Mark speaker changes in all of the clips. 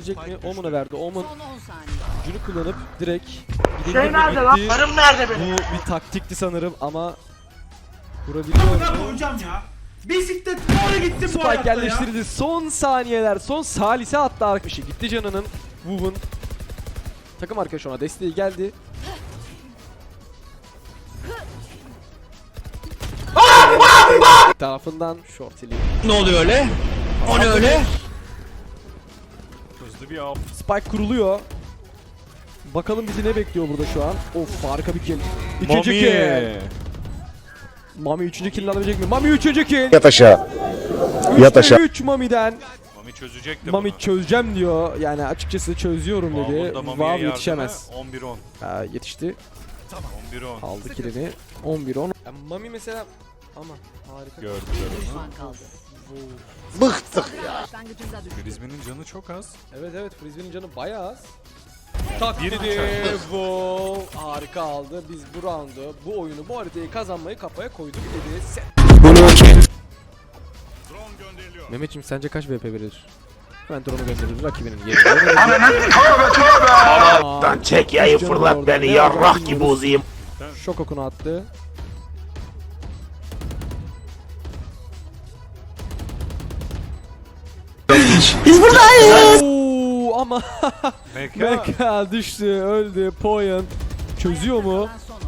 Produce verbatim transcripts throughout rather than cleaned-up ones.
Speaker 1: verebilecek mi? Omen'a verdi. Omen gücünü kullanıp direkt
Speaker 2: Şey nerede lan? Karım nerede benim?
Speaker 1: Bu bir taktikti sanırım ama vurabiliyor mu?
Speaker 3: Hocam ya. Bisiklet doğru gitti bu
Speaker 1: Spike
Speaker 3: hayatta ya.
Speaker 1: yerleştirdi. Son saniyeler. Son salise attı arkadaşı. Gitti canının. Woven. Takım arkadaşı ona desteği geldi. tarafından shortili.
Speaker 4: Ne oluyor öyle? O ne öyle?
Speaker 5: Hızlı bir av.
Speaker 1: Spike kuruluyor. Bakalım bizi ne bekliyor burada şu an. Of harika bir kill. İkinci kill. Mami üçüncü kill alabilecek mi? Mami üçüncü kill.
Speaker 6: Yat aşağı. Yat aşağı.
Speaker 1: üç Mami'den.
Speaker 5: Mami çözecekti
Speaker 1: Mami
Speaker 5: bunu.
Speaker 1: çözeceğim diyor. Yani açıkçası çözüyorum dedi.
Speaker 5: Mahmut da Mami'ye
Speaker 1: Vav
Speaker 5: yardıma
Speaker 1: yetişemez.
Speaker 5: on bir on.
Speaker 1: Ha, yetişti.
Speaker 5: on bir on.
Speaker 1: Aldı killini. on bir on. Yani Mami mesela ama harika.
Speaker 5: Gördü gördü.
Speaker 6: Bıktık ya.
Speaker 5: Frizbe'nin canı çok az.
Speaker 1: Evet evet Frisbee'nin canı bayağı az. Tak dedi. Wow. Harika aldı. Biz bu roundu, bu oyunu, bu haritayı kazanmayı kafaya koyduk dedi. Sen... Mehmetciğim sence kaç V P verir? Ben drone'u gönderirim rakibinin yerine.
Speaker 6: Lan çek yayı fırlat beni yarrak gibi uzayım.
Speaker 1: Şok okunu attı.
Speaker 6: Biz buradayız.
Speaker 1: Oo, ama
Speaker 5: Meka.
Speaker 1: Meka düştü, öldü. Point çözüyor mu?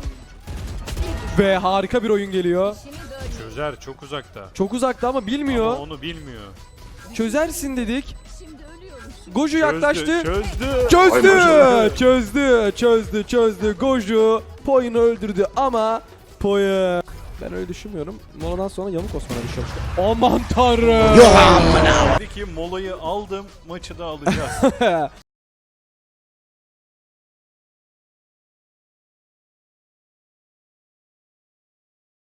Speaker 1: Ve harika bir oyun geliyor.
Speaker 5: Çözer çok uzakta.
Speaker 1: Çok uzakta ama bilmiyor.
Speaker 5: Ama onu bilmiyor.
Speaker 1: Çözersin dedik. Goju yaklaştı.
Speaker 5: Çözdü.
Speaker 1: Çözdü. Çözdü. Çözdü. Çözdü. Goju Poy'unu öldürdü ama Poy ben öyle düşünmüyorum. Moladan sonra yamuk Osman'a düşüyormuş. Aman tanrım.
Speaker 5: Dedi ki molayı aldım, maçı da alacağız.